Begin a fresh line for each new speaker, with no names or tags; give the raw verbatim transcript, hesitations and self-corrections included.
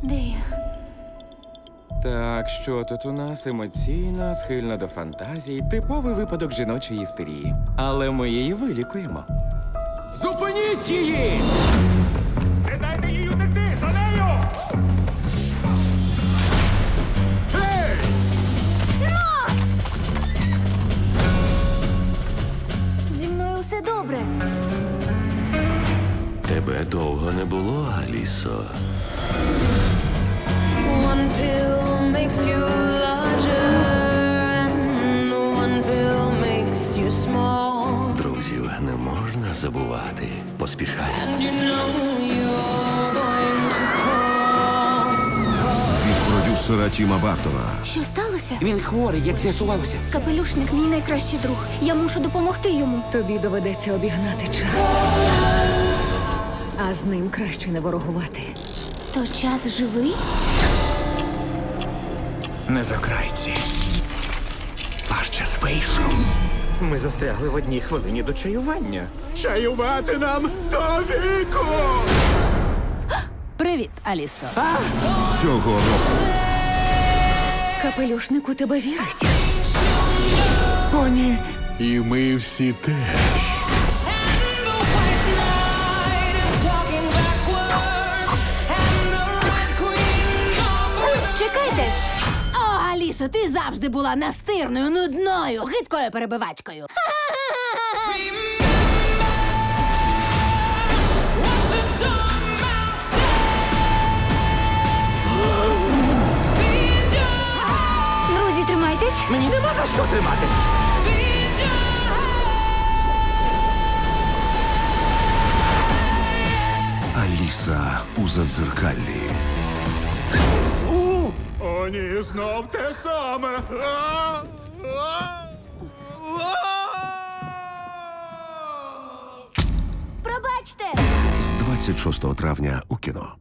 Де я?
Так, що тут у нас? Емоційна, схильна до фантазій, типовий випадок жіночої істерії. Але ми її вилікуємо. Зупиніть її!
Не дайте їй утекти! За нею! Гей!
Зі мною все добре.
Тебе довго не було, Алісо.
One pill makes you larger, and one pill makes you small.
Друзів не можна забувати. Поспішай.
And you know you're going to fall.
Від продюсера Тіма Бартона.
Що сталося?
Він хворий, як з'ясувалося.
Капелюшник мій найкращий друг. Я мушу допомогти йому.
Тобі доведеться обігнати час. А з ним краще не ворогувати.
То час живий?
Не з окрайці. Ваш час вийшов. Ми застрягли в одній хвилині до чаювання. Чаювати нам до віку!
Привіт, Алісо.
Цього року
Капелюшник у тебе вірить.
О, ні.
і ми всі теж.
And the white knight is talking backwards, and the red queen offers.
Чекайте!
О, Алісо, ти завжди була настирною, нудною, гидкою перебивачкою.
What the dumb mouse said. Feed your heart,
Друзі, тримайтесь.
Мені нема за що триматись.
feed your heart.
Аліса у задзеркаллі.
О, ні, знов те саме. А! А! А!
Пробачте!
З двадцять шостого травня у кіно.